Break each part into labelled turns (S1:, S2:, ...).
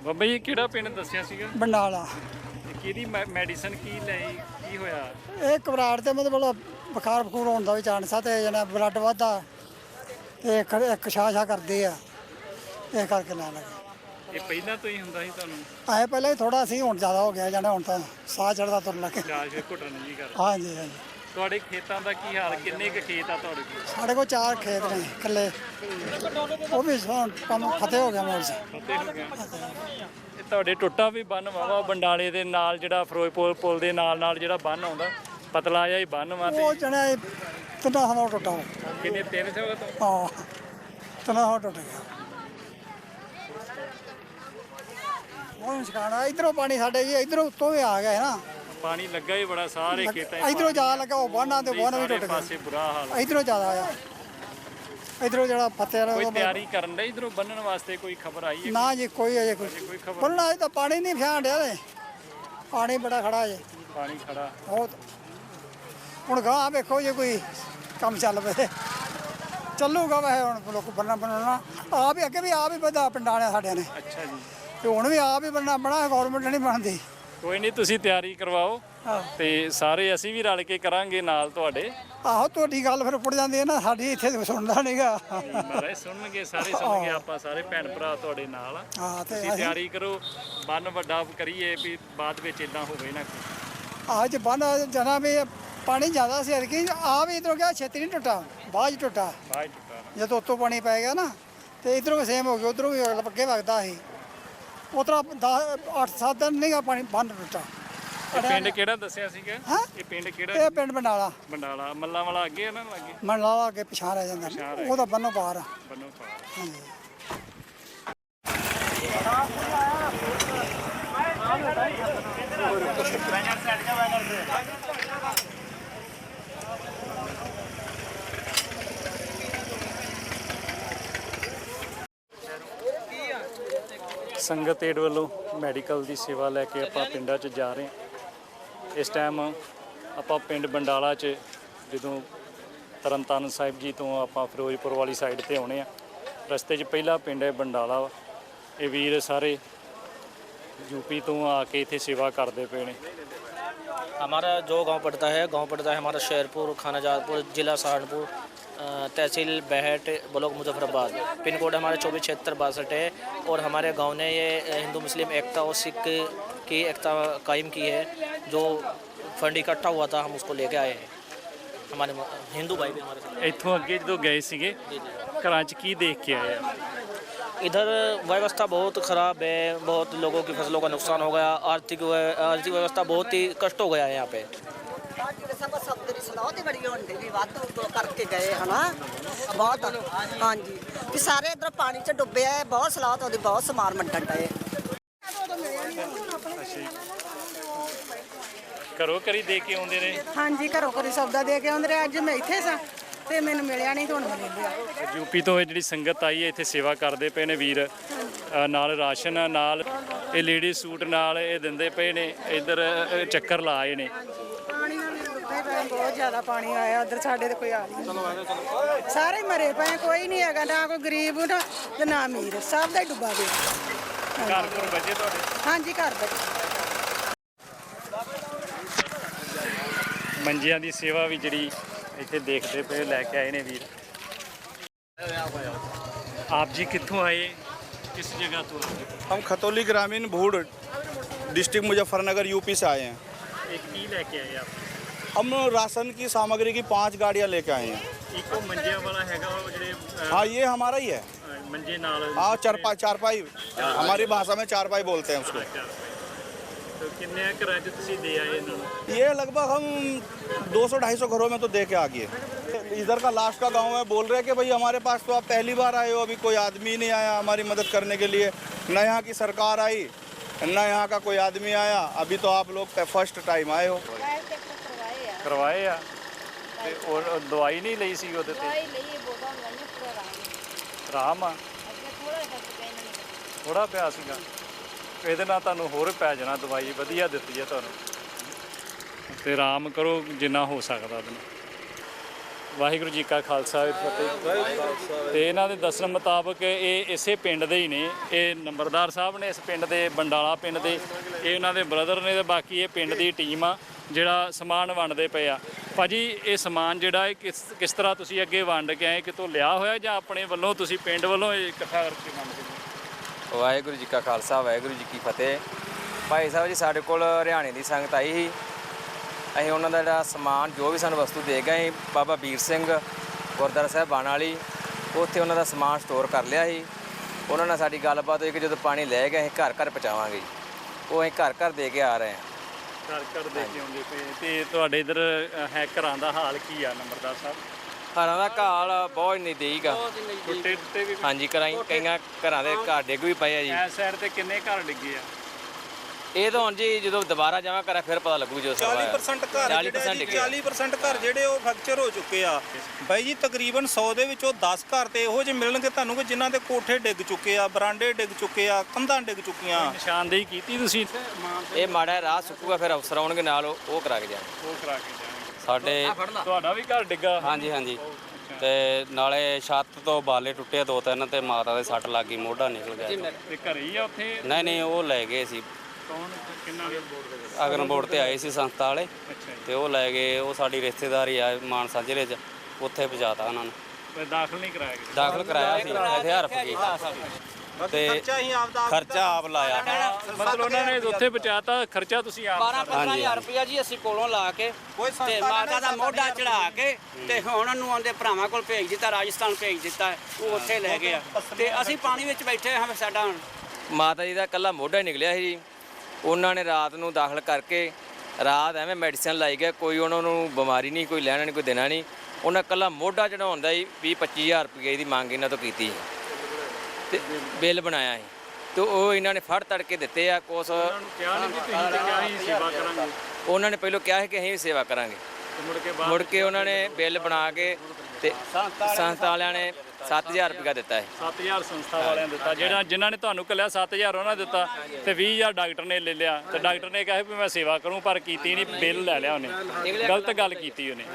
S1: ਬਾਬਾ ਜੀ ਕਿਹੜਾ ਪਿੰਡ ਦੱਸਿਆ ਸੀਗਾ?
S2: ਬੰਡਾਲਾ।
S1: ਕਿਹਦੀ ਮੈਡੀਸਨ ਕੀ ਲਈ, ਕੀ ਹੋਇਆ?
S2: ਇਹ ਘਬਰਾਹਟ ਤੇ ਮਤਲਬ ਬੁਖਾਰ ਬਖੂਰ ਹੋਣ ਦਾ ਵੀ ਚਾਂਸ ਆ ਤੇ ਜਣਾ ਬਲੱਡ ਵੱਧਦਾ ਤੇ ਇੱਕ ਛਾਛਾ ਕਰਦੇ ਆ, ਇਹ ਕਰਕੇ ਨਾ ਲੱਗੇ।
S1: ਇਹ ਪਹਿਲਾਂ ਤੋਂ ਹੀ ਹੁੰਦਾ ਸੀ ਤੁਹਾਨੂੰ?
S2: ਆਏ ਪਹਿਲਾਂ ਹੀ ਥੋੜਾ ਸੀ, ਹੁਣ ਜ਼ਿਆਦਾ ਹੋ ਗਿਆ ਜਣਾ, ਹੁਣ ਤਾਂ ਸਾਹ ਚੜਦਾ ਤੁਰਨ ਲੱਗੇ।
S1: ਚਾਹ ਘੁੱਟਣ ਨਹੀਂ ਕਰ?
S2: ਹਾਂਜੀ ਹਾਂਜੀ।
S1: ਤੁਹਾਡੇ ਖੇਤਾਂ ਦਾ ਕੀ ਹਾਲ? ਕਿੰਨੇ ਕੁ ਖੇਤ ਆ ਤੁਹਾਡੇ ਕੋਲ?
S2: ਸਾਡੇ ਕੋਲ 4 ਖੇਤ ਨੇ ਇਕੱਲੇ, ਉਹ ਵੀ ਹੁਣ ਕੰਮ ਫਤਿਹ ਹੋ ਗਿਆ ਮੋਲ 'ਚ।
S1: ਫਤਿਹ ਹੋ ਗਿਆ। ਇਹ ਤੁਹਾਡੇ ਟੁੱਟਾ ਵੀ ਬੰਨ ਵਾਵਾ ਬੰਡਾਲੇ ਦੇ ਨਾਲ, ਜਿਹੜਾ ਫਿਰੋਜ਼ਪੁਰ ਪੁਲ ਦੇ ਨਾਲ ਜਿਹੜਾ ਬੰਨ ਆਉਂਦਾ, ਪਤਲਾ ਜਿਹਾ ਹੀ ਬੰਨ ਵਾ।
S2: ਉਹ ਜਣਾ ਤਿੰਨਾਂ ਥਾਂ ਟੁੱਟਾ ਵਾ।
S1: ਕਿੰਨੇ 300 ਤੋਂ?
S2: ਹਾਂ, ਤਿੰਨਾਂ ਥਾਂ ਟੁੱਟ ਗਿਆ। ਉਹ ਨਿਸ਼ਾਨਾ ਇਧਰੋਂ ਪਾਣੀ ਸਾਡੇ ਜੀ ਇਧਰੋਂ ਉੱਤੋਂ ਵੀ ਆ ਗਿਆ ਨਾ,
S1: ਪਾਣੀ ਲੱਗਾ ਹੀ ਬੜਾ ਸਾਰੇ ਖੇਤਾਂ 'ਚ।
S2: ਇਧਰੋਂ ਜਾ ਲੱਗਾ, ਉਹ ਬੰਨਾਂ ਤੇ ਬੰਨ ਵੀ ਟੁੱਟ ਗਿਆ।
S1: ਪਾਸੇ ਬੁਰਾ ਹਾਲ।
S2: ਇਧਰੋਂ ਜ਼ਿਆਦਾ ਆਇਆ, ਇਧਰੋਂ ਜਿਹੜਾ ਫਤਿਹ
S1: ਕੋਈ ਤਿਆਰੀ ਕਰਨ ਦੇ ਇਧਰੋਂ ਬੰਨਣ ਵਾਸਤੇ ਕੋਈ ਖਬਰ ਆਈ ਹੈ?
S2: ਨਾ ਜੀ, ਕੋਈ ਅਜੇ
S1: ਕੋਈ ਖਬਰ?
S2: ਬੰਨਣਾ ਅਜੇ ਤਾਂ ਪਾਣੀ ਨਹੀਂ ਫਿਆਣ ਡਿਆ ਤੇ, ਪਾਣੀ ਬੜਾ ਖੜਾ ਜੇ,
S1: ਪਾਣੀ ਖੜਾ
S2: ਬਹੁਤ। ਹੁਣ ਗਾਂ ਵੇਖੋ ਜੇ ਕੋਈ ਕੰਮ ਚੱਲ ਪਏ ਚੱਲੂਗਾ। ਵੈਸੇ ਹੁਣ ਲੋਕ ਬੰਨਾ ਬਣਾਉਣਾ ਆਪ ਹੀ, ਅੱਗੇ ਵੀ ਆਪ ਹੀ ਵਧਾ ਪਿੰਡਾਂ ਨੇ ਸਾਡਿਆਂ ਨੇ।
S1: ਅੱਛਾ ਜੀ।
S2: ਤੇ ਹੁਣ ਵੀ ਆਪ ਹੀ ਬੰਨਾ ਬਣਾ, ਗੌਰਮੈਂਟ ਨਹੀਂ ਬਣਦੀ।
S1: ਕੋਈ ਨਹੀਂ, ਤੁਸੀਂ ਤਿਆਰੀ ਕਰਵਾਓ ਤੇ ਸਾਰੇ ਅਸੀਂ ਵੀ ਰਲ ਕੇ ਕਰਾਂਗੇ ਨਾਲ ਤੁਹਾਡੇ।
S2: ਆਹੋ, ਤੁਹਾਡੀ ਗੱਲ ਫਿਰ ਉੱਪੜ ਜਾਂਦੀ ਹੈ ਨਾ, ਸਾਡੀ ਇੱਥੇ ਸੁਣਦਾ ਨਹੀਂਗਾ।
S1: ਮਹਾਰਾਜ ਸੁਣਨਗੇ, ਸਾਰੇ ਸੁਣਨਗੇ, ਆਪਾਂ ਸਾਰੇ ਭੈਣ ਭਰਾ ਤੁਹਾਡੇ ਨਾਲ ਆ।
S2: ਹਾਂ, ਤੇ
S1: ਤੁਸੀਂ ਤਿਆਰੀ ਕਰੋ, ਬੰਨ ਵੱਡਾ ਕਰੀਏ ਵੀ ਬਾਅਦ ਵਿੱਚ ਇਦਾਂ ਹੋਵੇ ਨਾ।
S2: ਅੱਜ ਬੰਨ ਜਨਾ ਵੀ ਪਾਣੀ ਜ਼ਿਆਦਾ ਸੀ ਅਰਕੀ, ਆ ਵੀ ਇਧਰੋਂ ਗਿਆ ਛੇਤੀ ਨਹੀਂ ਟੁੱਟਾ, ਬਾਅਦ 'ਚ ਟੁੱਟਾ।
S1: ਬਾਅਦ ਟੁੱਟਾ
S2: ਜਦੋਂ ਉੱਤੋਂ ਪਾਣੀ ਪੈ ਗਿਆ ਨਾ ਤੇ ਇਧਰੋਂ ਵੀ ਸੇਮ ਹੋ ਗਿਆ, ਉਧਰੋਂ ਵੀ ਅੱਗੇ ਵਗਦਾ ਸੀ। ਉਤਰਾ 8-7 ਦਿਨ ਨਹੀਂਗਾ ਪਾਣੀ ਬੰਨ ਟੁੱਟਾ।
S1: ਇਹ ਪਿੰਡ ਕਿਹੜਾ ਦੱਸਿਆ ਸੀਗਾ?
S2: ਹਾਂ,
S1: ਇਹ ਪਿੰਡ ਕਿਹੜਾ?
S2: ਇਹ ਪਿੰਡ ਬੰਡਾਲਾ।
S1: ਬੰਡਾਲਾ। ਮੱਲਾਂ ਵਾਲਾ ਅੱਗੇ ਆ ਨਾ? ਅੱਗੇ
S2: ਮੰਡਾਲਾ ਅੱਗੇ ਪਿਛਾਂ ਰਹਿ ਜਾਂਦਾ, ਉਹਦਾ ਬੰਨੋਂ ਪਾਰ ਆ।
S1: ਬੰਨੋ ਪਾਰ।
S2: ਹਾਂਜੀ।
S1: ਸੰਗਤ ਏਡ ਵੱਲੋਂ ਮੈਡੀਕਲ ਦੀ ਸੇਵਾ ਲੈ ਕੇ ਆਪਾਂ ਪਿੰਡਾਂ 'ਚ ਜਾ ਰਹੇ ਹਾਂ। ਇਸ ਟਾਈਮ ਆਪਾਂ ਪਿੰਡ ਬੰਡਾਲਾ 'ਚ, ਜਦੋਂ ਤਰਨਤਾਰਨ ਸਾਹਿਬ ਜੀ ਤੋਂ ਆਪਾਂ ਫਿਰੋਜ਼ਪੁਰ ਵਾਲੀ ਸਾਈਡ ਤੇ ਆਉਣੇ ਆ, ਰਸਤੇ 'ਚ ਪਹਿਲਾ ਪਿੰਡ ਹੈ ਬੰਡਾਲਾ ਵਾ। ਇਹ ਵੀਰ ਸਾਰੇ यूपी तो आके इतने सेवा करते पे ने।
S3: हमारा जो गांव पड़ता है हमारा शेरपुर, खानाजादपुर, ज़िला सहारनपुर, तहसील Behat, block Muzaffarabad. Pin code हमारा 247662 है। और हमारे गांव ने ये हिंदू मुस्लिम एकता और सिख की एकता कायम की है। जो फंड इकट्ठा हुआ था हम उसको लेके आए हैं। हमारे हिंदू भाई भी हमारे साथ।
S1: इतों अगे जो गए सीगे घर च की देख के आए?
S3: इधर व्यवस्था बहुत ख़राब है, बहुत लोगों की फसलों का नुकसान हो गया, आर्थिक व्यवस्था बहुत ही कष्ट हो गया है यहाँ पे।
S4: करके गए है ना बहुत। हाँ जी, कि सारे इधर पानी च डुबे है, बहुत सलाह तो बहुत समान मंडन डे।
S1: घरों घरी दे के आउंदे ने?
S5: हाँ जी, घरों घरी सौदा दे के आउंदे। अज मैं इत्थे सा ਤੇ ਮੈਨੂੰ ਮਿਲਿਆ ਨਹੀਂ, ਤੁਹਾਨੂੰ ਮਿਲ ਲਿਆ।
S1: यूपी तो ਜਿਹੜੀ ਸੰਗਤ ਆਈ ਹੈ ਇੱਥੇ ਸੇਵਾ ਕਰਦੇ ਪਏ ਨੇ ਵੀਰ, ਨਾਲ ਰਾਸ਼ਨ ਨਾਲ ਇਹ ਲੇਡੀ ਸੂਟ ਨਾਲ ਇਹ ਦਿੰਦੇ ਪਏ ਨੇ। ਇੱਧਰ ਚੱਕਰ ਲਾਏ ਨੇ।
S5: ਪਾਣੀ ਨਾਲ ਡੁੱਬੇ ਪਏ, ਬਹੁਤ ਜ਼ਿਆਦਾ ਪਾਣੀ ਆਇਆ ਉਧਰ, ਸਾਡੇ ਤੇ ਕੋਈ ਆ ਨਹੀਂ। ਸਾਰੇ ਮਰੇ ਪਏ, ਕੋਈ ਨਹੀਂ ਹੈਗਾ, ਨਾ ਕੋਈ ਗਰੀਬ ਨਾ ਤੇ ਨਾ ਅਮੀਰ, ਸਭ ਦਾ ਹੀ ਡੁੱਬਾ ਗਿਆ।
S1: ਘਰ ਘਰ ਬਚੇ ਤੁਹਾਡੇ?
S5: ਹਾਂਜੀ, ਘਰ ਬਚੇ।
S1: ਮੰਜਿਆਂ ਦੀ ਸੇਵਾ ਵੀ ਜਿਹੜੀ ਇੱਥੇ ਦੇਖਦੇ ਪਏ ਲੈ ਕੇ ਆਏ ਨੇ ਵੀਰ। आप जी कित्थों आए, किस जगह तो आए?
S6: हम खतौली ग्रामीण भूड़ डिस्ट्रिक्ट मुजफ्फरनगर यूपी से आए हैं।
S1: एक की लेके आए आप?
S6: हम राशन की सामग्री की 5 गाड़ियाँ लेके आए हैं।
S1: इको मंजिया वाला हैगा वो ਜਿਹੜੇ
S6: हाँ, ये हमारा ही है।
S1: मंजे नाल?
S6: हाँ, चारपाई हमारी भाषा में चारपाई बोलते हैं उसको।
S1: तो किन्ने घरों च तुसीं दे आए इन्हां नूं?
S6: ये लगभग हम 200-250 घरों में तो दे के आ गए। इधर का लास्ट का गांव है, बोल रहे हैं कि भाई हमारे पास तो आप पहली बार आए हो, अभी कोई आदमी नहीं आया हमारी मदद करने के लिए, न यहाँ की सरकार आई न यहाँ का कोई आदमी आया, अभी तो आप लोग फर्स्ट टाइम आए हो।
S1: करवाए आ ते और दवाई नहीं ਲਈ ਸੀ ਉਹਦੇ ਤੇ? ਆਰਾਮ ਆ ਥੋੜਾ ਪਿਆ ਸੀਗਾ, ਇਹਦੇ ਨਾਲ ਤੁਹਾਨੂੰ ਹੋਰ ਪੈ ਜਾਣਾ। ਦਵਾਈ ਵਧੀਆ ਦਿੱਤੀ ਹੈ ਤੁਹਾਨੂੰ, ਤੇ ਆਰਾਮ ਕਰੋ ਜਿੰਨਾ ਹੋ ਸਕਦਾ ਉਹਦੇ ਨਾਲ। ਵਾਹਿਗੁਰੂ ਜੀ ਕਾ ਖਾਲਸਾ ਫਤਿਹ। ਤੇ ਇਹਨਾਂ ਦੇ ਦੱਸਣ ਮੁਤਾਬਕ ਇਹ ਇਸੇ ਪਿੰਡ ਦੇ ਹੀ ਨੇ, ਇਹ ਨੰਬਰਦਾਰ ਸਾਹਿਬ ਨੇ ਇਸ ਪਿੰਡ ਦੇ, ਬੰਡਾਲਾ ਪਿੰਡ ਦੇ, ਇਹ ਉਹਨਾਂ ਦੇ ਬ੍ਰਦਰ ਨੇ, ਤੇ ਬਾਕੀ ਇਹ ਪਿੰਡ ਦੀ ਟੀਮ ਆ ਜਿਹੜਾ ਸਮਾਨ ਵੰਡਦੇ ਪਏ ਆ। ਭਾਜੀ ਇਹ ਸਮਾਨ ਜਿਹੜਾ ਇਹ ਕਿਸ ਤਰ੍ਹਾਂ ਤੁਸੀਂ ਅੱਗੇ ਵੰਡ ਕੇ ਆਏ, ਕਿਤੋਂ ਲਿਆ ਹੋਇਆ ਜਾਂ ਆਪਣੇ ਵੱਲੋਂ ਤੁਸੀਂ ਪਿੰਡ ਵੱਲੋਂ ਇਹ ਇਕੱਠਾ ਕਰਕੇ ਵੰਡਦੇ ਹੋ?
S7: ਵਾਹਿਗੁਰੂ ਜੀ ਕਾ ਖਾਲਸਾ ਵਾਹਿਗੁਰੂ ਜੀ ਕੀ ਫਤਿਹ। ਭਾਈ ਸਾਹਿਬ ਜੀ ਸਾਡੇ ਕੋਲ ਹਰਿਆਣੇ ਦੀ ਸੰਗਤ ਆਈ ਸੀ, ਅਸੀਂ ਉਹਨਾਂ ਦਾ ਜਿਹੜਾ ਸਮਾਨ ਜੋ ਵੀ ਸਾਨੂੰ ਵਸਤੂ ਦੇ ਗਏ, ਬਾਬਾ ਵੀਰ ਸਿੰਘ ਗੁਰਦੁਆਰਾ ਸਾਹਿਬ ਬਾਣ ਵਾਲੀ, ਉੱਥੇ ਉਹਨਾਂ ਦਾ ਸਮਾਨ ਸਟੋਰ ਕਰ ਲਿਆ ਸੀ। ਉਹਨਾਂ ਨਾਲ ਸਾਡੀ ਗੱਲਬਾਤ ਹੋਈ ਕਿ ਜਦੋਂ ਪਾਣੀ ਲੈ ਗਏ ਅਸੀਂ ਘਰ ਘਰ ਪਹੁੰਚਾਵਾਂਗੇ, ਉਹ ਅਸੀਂ ਘਰ ਘਰ ਦੇ ਕੇ ਆ ਰਹੇ ਹਾਂ।
S1: ਘਰ ਘਰ ਦੇ ਕੇ ਆਉਂਦੇ ਪਏ। ਤੇ ਤੁਹਾਡੇ ਇੱਧਰ ਹੈ ਘਰਾਂ ਦਾ ਹਾਲ ਕੀ ਆ ਨੰਬਰਦਾਰ ਸਾਹਿਬ?
S7: ਘਰਾਂ ਦਾ ਹਾਲ ਬਹੁਤ ਨਜ਼ਦੀਕ ਆ।
S1: ਟੁੱਟੇ ਟੁੱਟੇ ਵੀ
S7: ਹਾਂਜੀ, ਕਈਆਂ ਘਰਾਂ ਦੇ ਘਰ ਡਿੱਗ ਵੀ ਪਏ ਆ ਜੀ।
S1: ਇਸ ਸਾਈਡ ਤੇ ਕਿੰਨੇ ਘਰ ਡਿੱਗੇ ਆ?
S7: ਇਹ ਤਾਂ ਹੁਣ ਜੀ ਜਦੋਂ ਦੁਬਾਰਾ ਜਾਵਾਂ ਕਰਾਂ ਫਿਰ ਪਤਾ ਲੱਗੂ ਜੋ
S6: 40% ਘਰ 40% ਘਰ ਜਿਹੜੇ ਉਹ ਫ੍ਰੈਕਚਰ ਹੋ ਚੁੱਕੇ ਆ ਬਾਈ ਜੀ। ਤਕਰੀਬਨ 100 ਦੇ ਵਿੱਚੋਂ 10 ਘਰ ਤੇ ਇਹੋ ਜਿਹੇ ਮਿਲਣਗੇ ਤੁਹਾਨੂੰ ਕਿ ਜਿਨ੍ਹਾਂ ਦੇ ਕੋਠੇ ਡਿੱਗ ਚੁੱਕੇ ਆ, ਬਰਾਂਡੇ ਡਿੱਗ ਚੁੱਕੇ ਆ, ਕੰਧਾਂ ਡਿੱਗ ਚੁੱਕੀਆਂ।
S1: ਨਿਸ਼ਾਨਦੇਹੀ ਕੀਤੀ ਤੁਸੀਂ?
S7: ਇਹ ਮਾੜਾ ਰਾਹ ਸੁੱਕੂਗਾ, ਫਿਰ ਅਫਸਰ ਆਉਣਗੇ ਨਾਲ, ਉਹ ਕਰਾ ਕੇ ਜਾਣਗੇ।
S1: ਉਹ ਕਰਾ ਕੇ ਜਾਣਗੇ।
S7: ਸਾਡੇ
S1: ਤੁਹਾਡਾ ਵੀ ਘਰ ਡਿੱਗਾ?
S7: ਹਾਂਜੀ ਹਾਂਜੀ, ਤੇ ਨਾਲੇ ਛੱਤ ਤੋਂ ਬਾਲੇ ਟੁੱਟੇ 2-3 ਤੇ ਮਾਤਾ ਦੇ ਸੱਟ ਲੱਗ ਗਈ, ਮੋਢਾ ਨਿਕਲ ਗਿਆ।
S1: ਤੇ ਘਰੇ ਹੀ ਆ ਉੱਥੇ?
S7: ਨਹੀਂ ਉਹ ਲੈ ਗਏ ਸੀ,
S1: ਕੌਣ ਕਿੰਨਾ?
S7: ਅਗਨ ਬੋਰਡ ਤੇ ਆਏ ਸੀ ਸੰਸਥਾ ਵਾਲੇ,
S1: ਅੱਛਾ ਜੀ।
S7: ਤੇ ਉਹ ਲੈ ਗਏ। ਉਹ ਸਾਡੀ ਰਿਸ਼ਤੇਦਾਰੀ ਆ ਮਾਨਸਾ ਜ਼ਿਲ੍ਹੇ 'ਚ, ਉੱਥੇ ਪਹੁੰਚਾਤਾ ਉਹਨਾਂ ਨੂੰ।
S1: ਤੇ ਦਾਖਲ ਨਹੀਂ ਕਰਾਇਆ ਗਿਆ?
S7: ਦਾਖਲ ਕਰਾਇਆ ਸੀ ਇੱਥੇ ਹਰਫ ਗਈ, ਤੇ ਖਰਚਾ ਆਪ ਲਾਇਆ।
S1: ਮਤਲਬ ਉਹਨਾਂ ਨੇ ਉੱਥੇ ਬਚਾਤਾ, ਖਰਚਾ ਤੁਸੀਂ ਆਪ?
S8: 12-15,000 ਰੁਪਇਆ ਜੀ ਅਸੀਂ ਕੋਲੋਂ ਲਾ ਕੇ ਤੇ ਮਾਤਾ ਦਾ ਮੋਢਾ ਚੜਾ ਕੇ ਤੇ ਹੁਣ ਨੂੰ ਆਉਂਦੇ ਭਰਾਵਾਂ ਕੋਲ ਭੇਜ ਦਿੱਤਾ, ਰਾਜਸਥਾਨ ਭੇਜ ਦਿੱਤਾ, ਉਹ ਉੱਥੇ ਲੈ ਗਏ ਆ ਤੇ ਅਸੀਂ ਪਾਣੀ ਵਿੱਚ ਬੈਠੇ ਹਾਂ। ਸਾਡਾ
S7: ਮਾਤਾ ਜੀ ਦਾ ਇਕੱਲਾ ਮੋਢਾ ਹੀ ਨਿਕਲਿਆ ਸੀ ਜੀ। ਉਹਨਾਂ ਨੇ ਰਾਤ ਨੂੰ ਦਾਖਲ ਕਰਕੇ ਰਾਤ ਐਵੇਂ ਮੈਡੀਸਨ ਲਾਈ ਗਏ, ਕੋਈ ਉਹਨਾਂ ਨੂੰ ਬਿਮਾਰੀ ਨਹੀਂ, ਕੋਈ ਲੈਣਾ ਨਹੀਂ, ਕੋਈ ਦੇਣਾ ਨਹੀਂ। ਉਹਨਾਂ ਇਕੱਲਾ ਮੋਢਾ ਚੜਾਉਣ ਦਾ ਹੀ 20-25,000 ਰੁਪਏ ਦੀ ਮੰਗ ਇਹਨਾਂ ਤੋਂ ਕੀਤੀ ਤੇ ਬਿੱਲ ਬਣਾਇਆ ਸੀ, ਤੇ ਉਹ ਇਹਨਾਂ ਨੇ ਫੜ ਤੜ ਕੇ ਦਿੱਤੇ ਆ। ਕੁਛ
S1: ਕਿਹਾ ਨਹੀਂ ਕਿ ਤੁਸੀਂ ਤੇ ਕਿਹਾ ਹੀ ਸੇਵਾ ਕਰਾਂਗੇ?
S7: ਉਹਨਾਂ ਨੇ ਪਹਿਲਾਂ ਕਿਹਾ ਸੀ ਕਿ ਅਸੀਂ ਵੀ ਸੇਵਾ ਕਰਾਂਗੇ, ਮੁੜ ਕੇ ਉਹਨਾਂ ਨੇ ਬਿੱਲ ਬਣਾ ਕੇ ਤੇ ਸੰਸਥਾ ਵਾਲਿਆਂ ਨੇ 7,000 ਰੁਪਇਆ ਦਿੱਤਾ ਹੈ।
S1: 7,000 ਸੰਸਥਾ ਵਾਲਿਆਂ ਨੇ ਦਿੱਤਾ, ਜਿਨ੍ਹਾਂ ਨੇ ਤੁਹਾਨੂੰ ਕੱਲਿਆ 7,000 ਉਹਨਾਂ ਨੇ ਦਿੱਤਾ, ਤੇ 20,000 ਡਾਕਟਰ ਨੇ ਲੈ ਲਿਆ। ਤੇ ਡਾਕਟਰ ਨੇ ਕਿਹਾ ਵੀ ਮੈਂ ਸੇਵਾ ਕਰੂੰ, ਪਰ ਕੀਤੀ ਨਹੀਂ, ਬਿੱਲ ਲੈ ਲਿਆ ਉਹਨੇ, ਗਲਤ ਗੱਲ ਕੀਤੀ ਉਹਨੇ।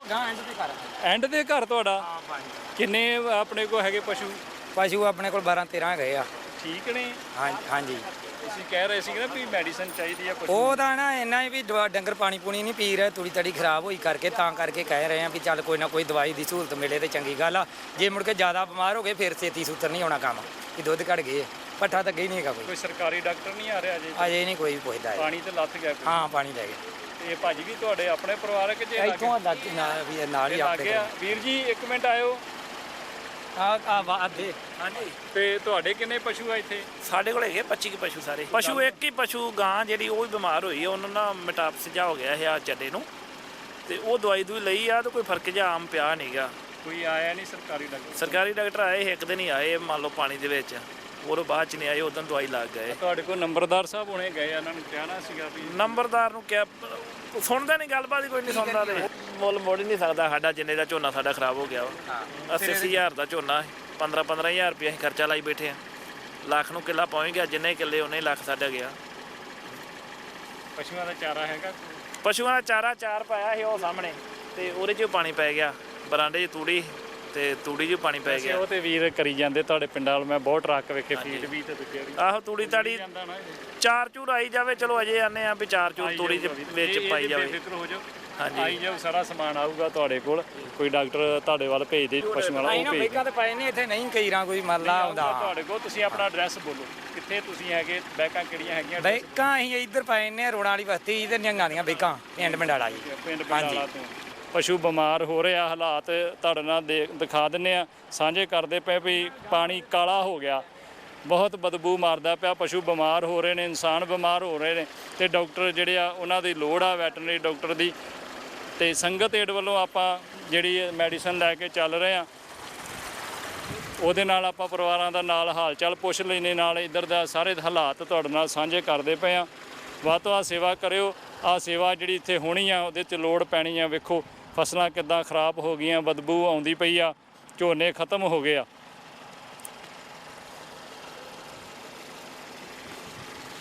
S1: ਐਂਡ ਦੇ ਘਰ ਤੁਹਾਡਾ? ਕਿੰਨੇ ਆਪਣੇ ਕੋਲ ਹੈਗੇ ਪਸ਼ੂ?
S9: ਪਸ਼ੂ ਆਪਣੇ ਕੋਲ 12-13 ਗਏ ਆ।
S1: ਠੀਕ ਨੇ?
S9: ਹਾਂਜੀ।
S1: ਤੁਸੀਂ ਕਹਿ ਰਹੇ ਸੀ ਨਾ ਵੀ ਮੈਡੀਸਨ ਚਾਹੀਦੀ ਆ ਪਸ਼ੂ?
S9: ਉਹ ਤਾਂ ਨਾ ਇੰਨਾ ਹੀ ਵੀ ਡੰਗਰ ਪਾਣੀ ਪੂਣੀ ਨਹੀਂ ਪੀ ਰਹੇ, ਤੂੜੀ ਤੜੀ ਖਰਾਬ ਹੋਈ ਕਰਕੇ, ਤਾਂ ਕਰਕੇ ਕਹਿ ਰਹੇ ਆ ਵੀ ਚੱਲ ਕੋਈ ਨਾ ਕੋਈ ਦਵਾਈ ਦੀ ਸਹੂਲਤ ਮਿਲੇ ਤੇ ਚੰਗੀ ਗੱਲ ਆ। ਜੇ ਮੁੜ ਕੇ ਜ਼ਿਆਦਾ ਬਿਮਾਰ ਹੋ ਗਏ ਫਿਰ ਛੇਤੀ ਸੂਤਰ ਨਹੀਂ ਹੋਣਾ ਕੰਮ, ਕਿ ਦੁੱਧ ਘਟ ਗਏ, ਪੱਠਾ ਤਾਂ ਗਈ ਨਹੀਂ ਹੈਗਾ
S1: ਕੋਈ ਸਰਕਾਰੀ ਡਾਕਟਰ ਨਹੀਂ ਆ ਰਿਹਾ
S9: ਅਜੇ ਨਹੀਂ ਕੋਈ ਪੁੱਛਦਾ।
S1: ਪਾਣੀ ਤੇ ਲੱਥ ਗਿਆ?
S9: ਹਾਂ, ਪਾਣੀ ਲੈ ਗਏ।
S1: ਤੇ ਭਾਜੀ ਵੀ ਤੁਹਾਡੇ ਆਪਣੇ ਪਰਿਵਾਰਕ ਜੇ
S9: ਇੱਥੋਂ ਨਾਲ ਹੀ ਆਪਣੇ
S1: ਵੀਰ ਜੀ? 1 ਮਿੰਟ ਆਇਓ।
S9: ਹਾਂਜੀ।
S1: ਤੇ ਤੁਹਾਡੇ ਕਿੰਨੇ ਪਸ਼ੂ ਆ ਇੱਥੇ?
S10: ਸਾਡੇ ਕੋਲ ਹੈਗੇ 25 ਪਸ਼ੂ ਸਾਰੇ। ਪਸ਼ੂ ਇੱਕ ਹੀ ਪਸ਼ੂ ਗਾਂ ਜਿਹੜੀ ਉਹ ਵੀ ਬਿਮਾਰ ਹੋਈ ਆ, ਉਹਨਾਂ ਨਾਲ ਮੈਟਾਪਸ ਜਿਹਾ ਹੋ ਗਿਆ ਹੈ ਆ ਚੱਡੇ ਨੂੰ, ਤੇ ਉਹ ਦਵਾਈ ਦੂਈ ਲਈ ਆ ਤੇ ਕੋਈ ਫਰਕ ਜਿਹਾ ਆਮ ਪਿਆ ਨਹੀਂਗਾ।
S1: ਕੋਈ ਆਇਆ ਨਹੀਂ ਸਰਕਾਰੀ ਡਾਕਟਰ?
S10: ਸਰਕਾਰੀ ਡਾਕਟਰ ਆਏ, ਇੱਕ ਦਿਨ ਹੀ ਆਏ, ਮੰਨ ਲਓ ਪਾਣੀ ਦੇ ਵਿੱਚ, ਉਹ ਬਾਅਦ ਚ ਨਹੀਂ ਆਏ, ਉਦੋਂ ਦਵਾਈ ਲੱਗ ਗਏ।
S1: ਤੁਹਾਡੇ ਕੋਲ ਨੰਬਰਦਾਰ ਸਾਹਿਬ ਹੁਣੇ ਗਏ, ਉਹਨਾਂ ਨੂੰ ਕਹਿਣਾ ਸੀਗਾ ਵੀ?
S10: ਨੰਬਰਦਾਰ ਨੂੰ ਕਿਹਾ, ਸੁਣਦਾ ਨਹੀਂ, ਗੱਲਬਾਤ ਹੀ ਕੋਈ ਨਹੀਂ ਸੁਣਦਾ। ਤੇ ਮੁੱਲ ਮੋੜ ਹੀ ਨਹੀਂ ਸਕਦਾ ਸਾਡਾ, ਜਿੰਨੇ ਦਾ ਝੋਨਾ ਸਾਡਾ ਖਰਾਬ ਹੋ ਗਿਆ ਵਾ। 80,000 ਦਾ ਝੋਨਾ, 15-15,000 ਰੁਪਏ ਅਸੀਂ ਖਰਚਾ ਲਾਈ ਬੈਠੇ ਆ। ਲੱਖ ਨੂੰ ਕਿੱਲਾ ਪਹੁੰਚ ਗਿਆ, ਜਿੰਨੇ ਕਿੱਲੇ ਉਹਨੇ ਲੱਖ ਸਾਡਾ ਗਿਆ।
S1: ਪਸ਼ੂਆਂ ਦਾ ਚਾਰਾ ਹੈਗਾ?
S10: ਪਸ਼ੂਆਂ ਦਾ ਚਾਰਾ 4 ਪਾਇਆ ਸੀ ਉਹ ਸਾਹਮਣੇ, ਤੇ ਉਹਦੇ 'ਚ ਪਾਣੀ ਪੈ ਗਿਆ, ਬਰਾਂਡੇ 'ਚ ਤੂੜੀ, ਤੇ ਤੂੜੀ 'ਚ ਪਾਣੀ ਪੈ ਗਿਆ।
S1: ਉਹ ਤੇ ਵੀਰ ਕਰੀ ਜਾਂਦੇ ਤੁਹਾਡੇ ਪਿੰਡਾਂ ਵਾਲ, ਮੈਂ ਬਹੁਤ ਟਰੱਕ ਵੇਖੇ, ਫੀਡ ਵੀ ਤੇ ਦੂਜੇ ਵੀ।
S10: ਆਹੋ, ਤੂੜੀ ਤਾੜੀ 4 ਆਈ ਜਾਵੇ, ਚਲੋ ਅਜੇ ਆਨੇ ਆ ਵੀ 4 ਤੂੜੀ ਦੇ ਵਿੱਚ ਪਾਈ ਜਾਵੇ।
S1: ਬੇਫਿਕਰ ਹੋ ਜਾਓ,
S10: ਹਾਂਜੀ,
S1: ਆਈ ਜਾਓ, ਸਾਰਾ ਸਮਾਨ ਆਊਗਾ ਤੁਹਾਡੇ ਕੋਲ। ਕੋਈ ਡਾਕਟਰ ਤੁਹਾਡੇ ਵੱਲ ਭੇਜ ਦੇ ਪਸ਼ੂਆਂ ਵਾਲਾ, ਉਹ ਭੇਜ
S9: ਬੈਕਾਂ ਤੇ ਪਏ ਨੇ ਇੱਥੇ, ਨਹੀਂ ਕਈ ਰਾਂ ਕੋਈ ਮਰਲਾ ਆਉਂਦਾ
S1: ਤੁਹਾਡੇ ਕੋਲ। ਤੁਸੀਂ ਆਪਣਾ ਐਡਰੈਸ ਬੋਲੋ, ਕਿੱਥੇ ਤੁਸੀਂ ਹੈਗੇ, ਬੈਕਾਂ ਕਿਹੜੀਆਂ ਹੈਗੀਆਂ?
S9: ਬੈਕਾਂ ਅਸੀਂ ਇੱਧਰ ਪਏ ਨੇ, ਰੋੜਾਂ ਵਾਲੀ ਬਸਤੀ ਤੇ ਨਿਹੰਗਾਂ ਦੀਆਂ ਬੈਕਾਂ, ਪਿੰਡ ਮੰਡਾਲਾ ਜੀ।
S1: ਪਿੰਡ ਬੰਡਾਲਾ ਤੋਂ ਪਸ਼ੂ ਬਿਮਾਰ ਹੋ ਰਹੇ ਆ, ਹਾਲਾਤ ਤੁਹਾਡੇ ਨਾਲ ਦਿਖਾ ਦਿੰਨੇ ਆ, ਸਾਂਝੇ ਕਰਦੇ ਪਏ ਵੀ ਪਾਣੀ ਕਾਲਾ ਹੋ ਗਿਆ, ਬਹੁਤ ਬਦਬੂ ਮਾਰਦਾ ਪਿਆ, ਪਸ਼ੂ ਬਿਮਾਰ ਹੋ ਰਹੇ ਨੇ, ਇਨਸਾਨ ਬਿਮਾਰ ਹੋ ਰਹੇ ਨੇ, ਤੇ ਡਾਕਟਰ ਜਿਹੜੇ ਆ ਉਹਨਾਂ ਦੀ ਲੋੜ ਆ, ਵੈਟਰਨਰੀ ਡਾਕਟਰ ਦੀ। ਤੇ ਸੰਗਤ ਏਡ ਵੱਲੋਂ ਆਪਾਂ ਜਿਹੜੀ ਮੈਡੀਸਨ ਲੈ ਕੇ ਚੱਲ ਰਹੇ ਆ, ਉਹਦੇ ਨਾਲ ਆਪਾਂ ਪਰਿਵਾਰਾਂ ਦਾ ਨਾਲ ਹਾਲ ਚਾਲ ਪੁੱਛ ਲੈਣੇ, ਨਾਲ ਇੱਧਰ ਦਾ ਸਾਰੇ ਹਾਲਾਤ ਤੁਹਾਡੇ ਨਾਲ ਸਾਂਝੇ ਕਰਦੇ ਪਏ ਆ। ਵੱਧ ਤੋਂ ਵੱਧ ਸੇਵਾ ਕਰਿਓ। ਆ ਸੇਵਾ ਜਿਹੜੀ ਇੱਥੇ ਹੋਣੀ ਆ, ਉਹਦੇ 'ਚ ਲੋੜ ਪੈਣੀ ਆ। ਵੇਖੋ ਫਸਲਾਂ ਕਿੱਦਾਂ ਖਰਾਬ ਹੋ ਗਈਆਂ, ਬਦਬੂ ਆਉਂਦੀ ਪਈ ਆ, ਝੋਨੇ ਖਤਮ ਹੋ ਗਏ ਆ।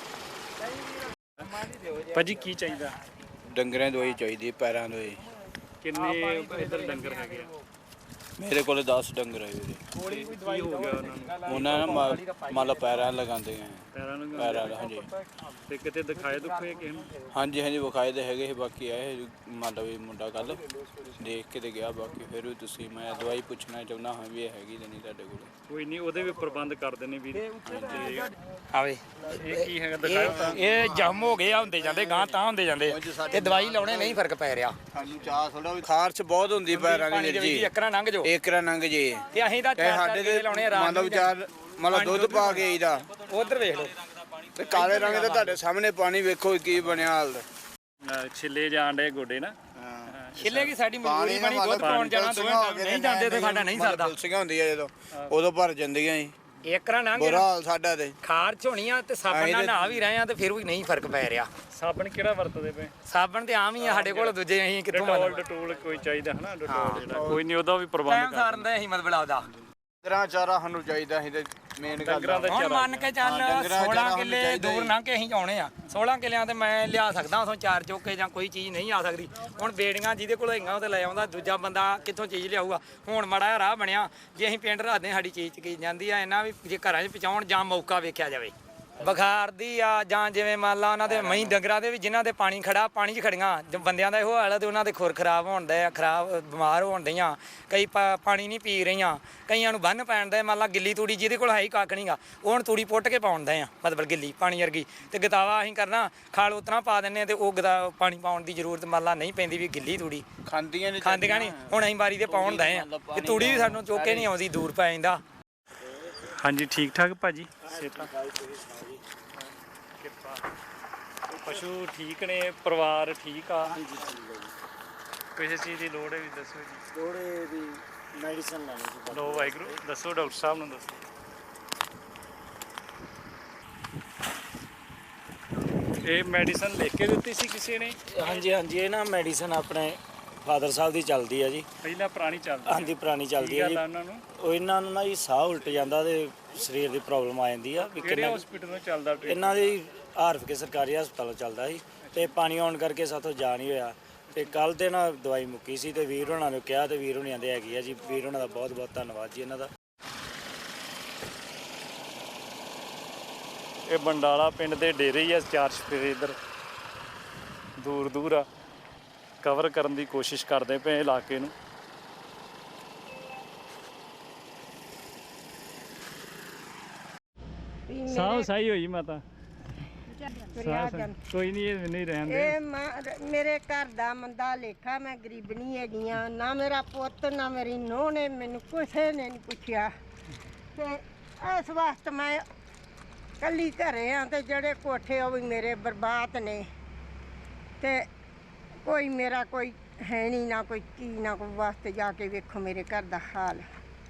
S1: ਭਾਜੀ ਕੀ ਚਾਹੀਦਾ?
S11: ਡੰਗਰਾਂ ਦਵਾਈ ਚਾਹੀਦੀ, ਪੈਰਾਂ ਦਵਾਈ।
S1: ਕਿੰਨੇ ਇੱਧਰ ਡੰਗਰ ਹੈਗੇ ਆ?
S6: मेरे को 10 डंगर है वीरे।
S1: ਕੀ ਹੋ ਗਿਆ ਉਹਨਾਂ ਨੂੰ?
S6: उन्हें मतलब पैर लगाते हैं
S1: ਪੈਰਾਂ ਨੂੰ
S6: पैर हाँ जी
S1: ਤੇ ਕਿਤੇ ਦਿਖਾਏ ਦੁਖੇ ਕਿਸੇ ਨੂੰ?
S6: हाँ जी हाँ जी विखाए तो है बाकी आए मतलब ये मुंडा कल देख के तो गया बाकी फिर भी तुसी मैं दवाई पूछना चाहना हाँ भी हैगी नहीं तुहाडे कोल
S1: ਕੋਈ ਨਹੀਂ, ਉਹਦੇ ਵੀ ਪ੍ਰਬੰਧ ਕਰਦੇ ਨੇ ਵੀਰ।
S9: ਆਵੇ
S1: ਇਹ ਕੀ ਹੈਗਾ ਦਿਖਾਓ ਤਾਂ।
S9: ਇਹ ਜੰਮ ਹੋ ਗਏ ਆ, ਹੁੰਦੇ ਜਾਂਦੇ ਗਾਂ ਤਾਂ ਹੁੰਦੇ ਜਾਂਦੇ ਆ ਤੇ ਦਵਾਈ ਲਾਉਣੇ ਨਹੀਂ ਫਰਕ ਪੈ ਰਿਹਾ।
S6: ਸਾਨੂੰ ਚਾਹ ਥੋੜਾ ਖਾਰਚ ਬਹੁਤ ਹੁੰਦੀ ਪੈਰਾਂ
S9: ਪਾਣੀ ਦੇ ਵਿੱਚ ਇੱਕ ਨਾ ਲੰਘ ਜਾਓ,
S6: ਇੱਕ ਰਾਂ ਲੰਘ ਜੇ
S9: ਤੇ ਅਸੀਂ ਤਾਂ
S6: ਤੇ ਸਾਡੇ ਤੇ
S9: ਲਾਉਣੇ ਆ ਰਾਤ
S6: ਮਤਲਬ ਵਿਚਾਰ ਮਤਲਬ ਦੁੱਧ ਪਾ ਕੇ ਆਈਦਾ।
S9: ਉਧਰ ਵੇਖ ਲਓ
S6: ਤੇ ਕਾਲੇ ਰੰਗ ਦਾ ਤੁਹਾਡੇ ਸਾਹਮਣੇ ਪਾਣੀ ਵੇਖੋ ਕੀ ਬਣਿਆ ਹਾਲ।
S1: ਛਿੱਲੇ ਜਾਣ ਡੇ ਗੋਡੇ ਨਾ।
S9: ਛਿੱਲੇ ਕੀ ਸਾਡੀ ਮਜਬੂਰੀ ਬਣੀ, ਦੁੱਧ ਪਾਉਣ ਜਾਣਾ ਦੋਵੇਂ ਟਾਈਮ ਨਹੀਂ ਜਾਂਦੇ ਤੇ ਸਾਡਾ ਨਹੀਂ ਸਰਦਾ।
S6: ਤੁਲਸੀਆਂ ਹੁੰਦੀਆਂ ਜਦੋਂ ਉਦੋਂ ਭਰ ਜਾਂਦੀਆਂ ਸੀ।
S9: ਇੱਕ ਰਾਂ ਲੰਘ
S6: ਬੁਰਾ ਹਾਲ ਸਾਡਾ ਤੇ
S9: ਖਾਰਚ ਹੋਣੀ ਆ ਤੇ ਸਾਬਣ ਨਾਲ ਨਹਾ ਵੀ ਰਹੇ ਆ ਤੇ ਫਿਰ ਵੀ ਨਹੀਂ ਫਰਕ ਪੈ ਰਿਹਾ।
S1: ਸਾਬਣ ਕਿਹੜਾ ਵਰਤਦੇ ਪਏ?
S9: ਸਾਬਣ ਤੇ ਆਮ ਹੀ ਆ ਸਾਡੇ ਕੋਲ, ਦੂਜੇ ਅਸੀਂ ਕਿੱਥੋਂ ਮੰਨ
S1: ਡਟੋਲ ਕੋਈ ਚਾਹੀਦਾ ਹਨਾ, ਡਟੋਲ ਜਿਹੜਾ ਕੋਈ ਨਹੀਂ, ਉਹਦਾ ਵੀ ਪ੍ਰਬੰਧ
S9: ਟਾਈਮ ਸਾਰਨ ਦਾ ਅਸੀਂ ਮਤਲਬ ਲਾਉਦਾ।
S6: ਡੰਗਰਾਂ ਚਾਰਾ ਸਾਨੂੰ ਚਾਹੀਦਾ ਸੀ ਤੇ ਮੇਨ ਗੱਲ
S1: ਡੰਗਰਾਂ ਦਾ
S9: ਹੁਣ ਮੰਨ ਕੇ ਚੱਲ 16 ਕਿੱਲੇ ਦੂਰ ਲੰਘ ਕੇ ਅਸੀਂ ਆਉਣੇ ਆ, 16 ਕਿੱਲਿਆਂ ਤੇ ਮੈਂ ਲਿਆ ਸਕਦਾ ਉਥੋਂ 4 ਚੋਕੇ ਜਾਂ ਕੋਈ ਚੀਜ਼ ਨਹੀਂ ਆ ਸਕਦੀ। ਹੁਣ ਬੇੜੀਆਂ ਜਿਹਦੇ ਕੋਲ ਹੈਗੀਆਂ ਉਹ ਤੇ ਲੈ ਆਉਂਦਾ, ਦੂਜਾ ਬੰਦਾ ਕਿੱਥੋਂ ਚੀਜ਼ ਲਿਆਊਗਾ। ਹੁਣ ਮਾੜਾ ਰਾਹ ਬਣਿਆ, ਜੇ ਅਸੀਂ ਪਿੰਡ ਰੱਖਦੇ ਸਾਡੀ ਚੀਜ਼ ਚਕੀ ਜਾਂਦੀ ਆ, ਇਹਨਾਂ ਵੀ ਜੇ ਘਰਾਂ 'ਚ ਪਹੁੰਚਾਉਣ ਜਾਂ ਮੌਕਾ ਵੇਖਿਆ ਜਾਵੇ। ਬੁਖਾਰ ਦੀ ਆ ਜਾਂ ਜਿਵੇਂ ਮੰਨ ਲਾ ਉਹਨਾਂ ਦੇ ਮਹੀਂ ਡੰਗਰਾਂ ਦੇ ਵੀ ਜਿਨ੍ਹਾਂ ਦੇ ਪਾਣੀ ਖੜਾ, ਪਾਣੀ 'ਚ ਖੜੀਆਂ ਬੰਦਿਆਂ ਦਾ ਇਹੋ ਹਾਲ ਆ ਤੇ ਉਹਨਾਂ ਦੇ ਖੁਰ ਖਰਾਬ ਹੋਣ ਦੇ ਆ, ਬਿਮਾਰ ਹੋਣ ਦੀਆਂ। ਕਈ ਪਾਣੀ ਨਹੀਂ ਪੀ ਰਹੀਆਂ, ਕਈਆਂ ਨੂੰ ਬੰਨ ਪੈਣ ਦਾ। ਮੰਨ ਲਾ ਗਿੱਲੀ ਤੂੜੀ ਜਿਹਦੇ ਕੋਲ ਹੈ ਹੀ ਕੱਖ ਨਹੀਂਗਾ, ਉਹ ਹੁਣ ਤੂੜੀ ਪੁੱਟ ਕੇ ਪਾਉਣ ਦੇ ਆ, ਮਤਲਬ ਗਿੱਲੀ ਪਾਣੀ ਵਰਗੀ। ਤੇ ਗਤਾਵਾ ਅਸੀਂ ਕਰਨਾ ਖਾਲ ਉਤਨਾ ਪਾ ਦਿੰਦੇ ਤੇ ਉਹ ਪਾਣੀ ਪਾਉਣ ਦੀ ਜ਼ਰੂਰਤ ਮੰਨ ਲਾ ਨਹੀਂ ਪੈਂਦੀ ਵੀ ਗਿੱਲੀ ਤੂੜੀ
S6: ਖਾਂਦੀਆਂ
S9: ਨਹੀਂ। ਹੁਣ ਅਸੀਂ ਬਾਰੀ ਤੇ ਪਾਉਣ ਦੇ ਆ ਤੇ ਤੂੜੀ ਵੀ ਸਾਨੂੰ ਚੁੱਕ ਕੇ ਨਹੀਂ ਆਉਂਦੀ, ਦੂਰ ਪੈ ਜਾਂਦਾ।
S1: ਹਾਂਜੀ ਠੀਕ ਠਾਕ ਭਾਜੀ, ਸਿਹਤਾਂ ਪਸ਼ੂ ਠੀਕ ਨੇ, ਪਰਿਵਾਰ ਠੀਕ ਆ? ਹਾਂਜੀ ਕਿਸੇ ਚੀਜ਼ ਦੀ ਲੋੜ ਹੈ ਵੀ ਦੱਸੋ ਜੀ।
S11: ਲੋੜ ਦੀ ਮੈਡੀਸਨ ਲੈਣੀ ਸੀ।
S1: ਲੋ ਵਾਹਿਗੁਰੂ, ਦੱਸੋ ਡਾਕਟਰ ਸਾਹਿਬ ਨੂੰ ਦੱਸੋ। ਇਹ ਮੈਡੀਸਨ ਲਿਖ ਕੇ ਦਿੱਤੀ ਸੀ ਕਿਸੇ ਨੇ?
S11: ਹਾਂਜੀ ਹਾਂਜੀ, ਇਹ ਨਾ ਮੈਡੀਸਨ ਆਪਣੇ ਫਾਦਰ ਸਾਹਿਬ ਦੀ ਚੱਲਦੀ ਆ ਜੀ।
S1: ਪਹਿਲਾਂ ਪੁਰਾਣੀ ਚੱਲਦੀ?
S11: ਹਾਂਜੀ ਪੁਰਾਣੀ ਚੱਲਦੀ ਆ ਜੀ। ਉਹ ਇਹਨਾਂ ਨੂੰ ਨਾ ਜੀ ਸਾਹ ਉਲਟ ਜਾਂਦਾ ਤੇ ਸਰੀਰ ਦੀ ਪ੍ਰੋਬਲਮ ਆ ਜਾਂਦੀ ਆ।
S1: ਕਿਹੜੇ ਹਸਪੀਟਲ ਨੂੰ ਚੱਲਦਾ?
S11: ਇਹਨਾਂ ਦੀ ਆਰਫ ਸਰਕਾਰੀ ਹਸਪਤਾਲ ਚੱਲਦਾ ਸੀ ਤੇ ਪਾਣੀ ਆਉਣ ਕਰਕੇ ਸਾਥੋਂ ਜਾ ਨਹੀਂ ਹੋਇਆ ਤੇ ਕੱਲ ਤੇ ਨਾ ਦਵਾਈ ਮੁੱਕੀ ਸੀ ਤੇ ਵੀਰ ਹੋਣਾ ਨੂੰ ਕਿਹਾ ਤੇ ਵੀਰ ਹੋਣੀ ਆਂਦੇ ਹੈਗੀ ਆ ਜੀ। ਵੀਰ ਹੋਣਾ ਦਾ ਬਹੁਤ ਬਹੁਤ ਧੰਨਵਾਦ ਜੀ ਇਹਨਾਂ ਦਾ।
S1: ਇਹ ਬੰਡਾਲਾ ਪਿੰਡ ਦੇ ਡੇਰੇ ਹੀ ਆ, 4 ਚੁਫੇਰੇ ਇੱਧਰ ਦੂਰ ਦੂਰ ਆ। ਕਵਰ ਕਰਨ ਦੀ ਕੋਸ਼ਿਸ਼ ਕਰਦੇ ਪਏ ਇਲਾਕੇ ਨੂੰ। ਸਾਹ ਸਹੀ ਹੋਈ ਮਾਤਾ? ਕੋਈ ਨਹੀਂ, ਇਹ ਨਹੀਂ ਰਹਿੰਦੇ।
S5: ਮੇਰੇ ਘਰ ਦਾ ਮੰਦਾ ਲੇਖਾ, ਮੈਂ ਗਰੀਬਣੀ ਹੈਗੀ ਆ। ਨਾ ਮੇਰਾ ਪੁੱਤ ਨਾ ਮੇਰੀ ਨੂੰਹ ਨੇ ਮੈਨੂੰ ਕਿਸੇ ਨੇ ਨਹੀਂ ਪੁੱਛਿਆ ਤੇ ਇਸ ਵਾਸਤੇ ਮੈਂ ਕੱਲੀ ਘਰੇ ਆ ਤੇ ਜਿਹੜੇ ਕੋਠੇ ਉਹ ਵੀ ਮੇਰੇ ਬਰਬਾਦ ਨੇ ਤੇ ਕੋਈ ਮੇਰਾ ਕੋਈ ਹੈ ਨਹੀਂ, ਨਾ ਕੋਈ ਕੀ ਨਾ ਕੋਈ ਵਾਸਤੇ ਜਾ ਕੇ ਵੇਖੋ ਮੇਰੇ ਘਰ ਦਾ ਹਾਲ।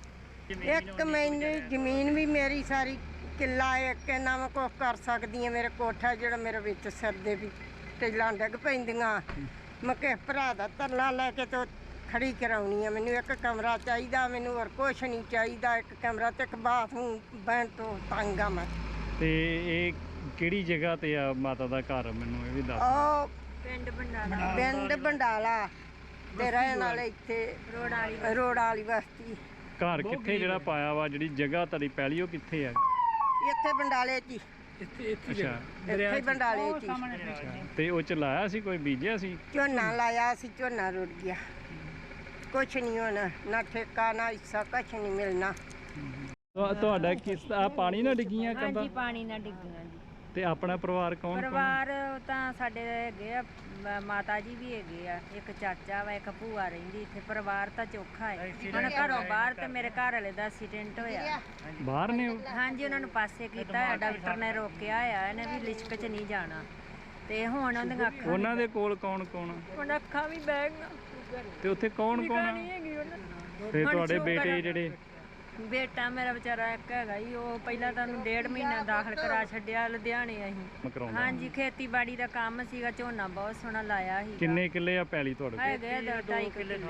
S5: ਇੱਕ ਮੈਨੂੰ ਜ਼ਮੀਨ ਵੀ ਮੇਰੀ ਸਾਰੀ ਕਿੱਲਾ ਇੱਕ ਨਾ ਮੈਂ ਕੁਛ ਕਰ ਸਕਦੀ ਹਾਂ। ਮੇਰੇ ਕੋਠਾ ਜਿਹੜਾ ਮੇਰੇ ਵਿੱਚ ਸਰਦੇ ਵੀ ਟੈਲਾਂ ਡਿੱਗ ਪੈਂਦੀਆਂ। ਮੈਂ ਕਿਸੇ ਭਰਾ ਦਾ ਤਰਲਾ ਲੈ ਕੇ ਤੇ ਖੜੀ ਕਰਾਉਣੀ ਆ। ਮੈਨੂੰ ਇੱਕ ਕਮਰਾ ਚਾਹੀਦਾ, ਮੈਨੂੰ ਹੋਰ ਕੁਛ ਨਹੀਂ ਚਾਹੀਦਾ। ਇੱਕ ਕਮਰਾ ਤੇ ਇੱਕ ਬਾਥਰੂਮ ਬਣ ਤੋਂ ਤੰਗ ਆ ਮੈਂ।
S1: ਤੇ ਇਹ ਕਿਹੜੀ ਜਗ੍ਹਾ ਤੇ ਆ ਮਾਤਾ ਦਾ ਘਰ, ਮੈਨੂੰ ਇਹ ਵੀ ਦੱਸ।
S5: ਉਹ ਪਿੰਡ ਬੰਡਾਲਾ ਤੇ ਰਹਿਣ ਵਾਲੇ ਇੱਥੇ ਰੋੜ ਵਾਲੀ ਬਸਤੀ।
S1: ਘਰ ਕਿੱਥੇ ਜਿਹੜਾ ਪਾਇਆ ਵਾ, ਜਿਹੜੀ ਜਗ੍ਹਾ ਤੁਹਾਡੀ ਪਹਿਲੀ, ਉਹ ਕਿੱਥੇ ਆ?
S5: ਇੱਥੇ ਬੰਡਾਲੇ 'ਚ ਹੀ।
S1: ਅੱਛਾ,
S5: ਇੱਥੇ ਬੰਡਾਲੇ 'ਚ ਹੀ।
S1: ਤੇ ਉਹ ਚ ਲਾਇਆ ਸੀ, ਕੋਈ ਬੀਜਿਆ ਸੀ?
S5: ਝੋਨਾ ਲਾਇਆ ਸੀ, ਝੋਨਾ ਰੁੜ ਗਿਆ। ਕੁਛ ਨਹੀਂ ਹੋਣਾ, ਨਾ ਠੇਕਾ ਨਾ ਹਿੱਸਾ, ਕੁਛ ਨਹੀਂ ਮਿਲਣਾ।
S1: ਤੁਹਾਡਾ ਕਿਸ ਆ ਪਾਣੀ ਨਾਲ ਡਿੱਗੀਆਂ ਕੰਧਾਂ?
S12: ਹਾਂਜੀ ਪਾਣੀ ਨਾਲ ਡਿੱਗੀਆਂ ਜੀ।
S1: ਤੇ ਆਪਣਾ ਪਰਿਵਾਰ ਕੌਣ?
S12: ਪਰਿਵਾਰ ਤਾਂ ਸਾਡੇ ਹੈਗੇ ਆ, ਮਾਤਾ ਜੀ ਵੀ ਹੈਗੇ ਆ, ਇੱਕ ਚਾਚਾ ਵਾ, ਇੱਕ ਭੂਆ ਰਹਿੰਦੀ ਇੱਥੇ। ਪਰਿਵਾਰ ਤਾਂ ਚੋਖਾ ਹੈ। ਹੁਣ ਘਰੋਂ ਬਾਹਰ ਤੇ ਮੇਰੇ ਘਰ ਵਾਲੇ ਦਾ ਐਕਸੀਡੈਂਟ ਹੋਇਆ।
S1: ਬਾਹਰ ਨੇ ਉਹ?
S12: ਹਾਂਜੀ, ਉਹਨਾਂ ਨੂੰ ਪਾਸੇ ਕੀਤਾ ਹੈ, ਡਾਕਟਰ ਨੇ ਰੋਕਿਆ ਆ, ਇਹਨੇ ਵੀ ਲਿਸ਼ਕ 'ਚ ਨਹੀਂ ਜਾਣਾ। ਤੇ ਹੁਣ ਉਹਦੀਆਂ ਅੱਖਾਂ,
S1: ਉਹਨਾਂ ਦੇ ਕੋਲ ਕੌਣ ਕੌਣ?
S12: ਹੁਣ ਅੱਖਾਂ ਵੀ ਬਹਿ ਗਈਆਂ।
S1: ਤੇ ਉੱਥੇ ਕੌਣ ਕੌਣ ਆ? ਤੇ ਤੁਹਾਡੇ ਬੇਟੇ ਜਿਹੜੇ?
S12: ਬੇਟਾ ਮੇਰਾ ਵਿਚਾਰਾ ਇੱਕ ਹੈਗਾ ਹੀ, ਉਹ ਪਹਿਲਾਂ ਤਾਂ ਉਹਨੂੰ 1.5 ਮਹੀਨਾ ਦਾਖਲ ਕਰਾ ਛੱਡਿਆ ਲੁਧਿਆਣੇ ਅਸੀਂ। ਹਾਂਜੀ, ਖੇਤੀਬਾੜੀ ਦਾ ਕੰਮ ਸੀਗਾ, ਝੋਨਾ ਬਹੁਤ ਸੋਹਣਾ ਲਾਇਆ ਸੀ।
S1: ਕਿੰਨੇ ਕਿੱਲੇ ਆ ਪੈਲੀ ਤੁਹਾਡੇ ਕੋਲ?
S12: ਹੈਗੇ 2.5 ਕਿੱਲੇ।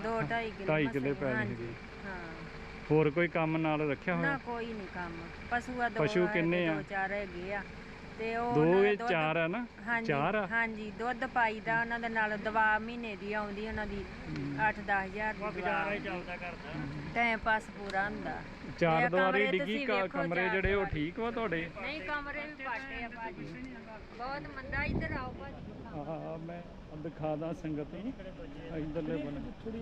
S12: 2.5
S1: ਕਿੱਲੇ ਪੈਲੀ ਸੀ।
S12: ਹਾਂ।
S1: ਹੋਰ ਕੋਈ ਕੰਮ ਨਾਲ ਰੱਖਿਆ ਹੋਇਆ?
S12: ਨਾ ਕੋਈ ਨਹੀਂ ਕੰਮ। ਪਸ਼ੂ ਆ,
S1: ਪਸ਼ੂ ਕਿੰਨੇ ਆ?
S12: 2-4 ਹੈਗੇ ਆ ਤੇ ਉਹ
S1: ਦੋ
S12: ਉਹਨਾਂ ਦਾ
S1: ਇਹ
S12: ਦੁੱਧ-
S1: ਚਾਰ ਆ ਨਾ?
S12: ਹਾਂਜੀ,
S1: ਚਾਰ ਆ?
S12: ਹਾਂਜੀ ਦੁੱਧ ਪਾਈਦਾ ਉਹਨਾਂ ਦੇ ਨਾਲ ਦਵਾ ਮਹੀਨੇ ਦੀ ਆਉਂਦੀ ਉਹਨਾਂ ਦੀ 8-10 ਹਜ਼ਾਰ ਦੀ ਗੁਜ਼ਾਰਾ ਚੱਲਦਾ ਕਰਦਾ ਟਾਈਮ ਪਾਸ ਪੂਰਾ ਹੁੰਦਾ।
S1: ਚਾਰ
S12: ਤੇ
S1: ਦੀਵਾਰੀ
S12: ਕਮਰੇ
S1: ਡਿੱਗੀ
S12: ਤੁਸੀਂ ਵੇਖੋ
S1: ਕਮਰੇ
S12: ਚਾਰ
S1: ਜਿਹੜੇ ਉਹ
S12: ਦੀਵਾਰੀ।
S1: ਠੀਕ ਵਾ ਤੁਹਾਡੇ?
S12: ਨਹੀਂ ਕਮਰੇ ਵੀ ਪਾਟੇ ਆ ਭਾਜੀ, ਬਹੁਤ ਮੰਦਾ। ਇੱਧਰ ਆਓ ਭਾਜੀ।
S1: ਆਹ ਮੈਂ ਦਿਖਾਦਾ ਸੰਗਤ ਨੂੰ ਇਧਰਲੇ ਬੰਨੇ।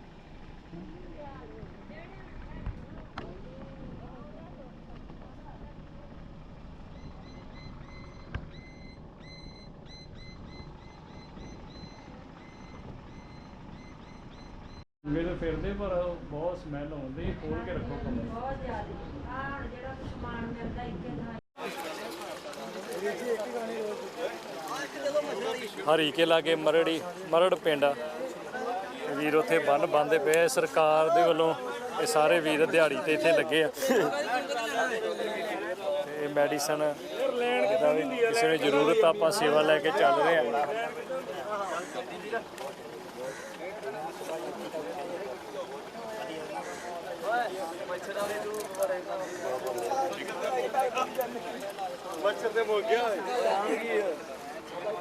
S1: ਮੇਰੇ ਫਿਰਦੇ ਪਰ ਬਹੁਤ ਸਮੈਲ ਆਉਂਦੀ, ਖੋਲ ਕੇ ਰੱਖੋ ਕਮਰੇ।
S12: ਬਹੁਤ ਜ਼ਿਆਦਾ ਆਹ ਹੁਣ ਜਿਹੜਾ ਸਮਾਨ ਮਿਲਦਾ ਇੱਥੇ
S1: ਹਰੀਕੇ ਲਾਗੇ ਮਰੜ ਪਿੰਡ ਆ। ਵੀਰ ਉੱਥੇ ਬੰਨ ਬੰਨ੍ਹਦੇ ਪਏ ਸਰਕਾਰ ਦੇ ਵੱਲੋਂ। ਇਹ ਸਾਰੇ ਵੀਰ ਦਿਹਾੜੀ ਤੇ ਇੱਥੇ ਲੱਗੇ ਆ ਤੇ ਮੈਡੀਸਨ ਜਿੱਦਾਂ ਵੀ ਕਿਸੇ ਨੂੰ ਜ਼ਰੂਰਤ ਆ, ਆਪਾਂ ਸੇਵਾ ਲੈ ਕੇ ਚੱਲ ਰਹੇ ਆ।
S6: मच्छर से हो गया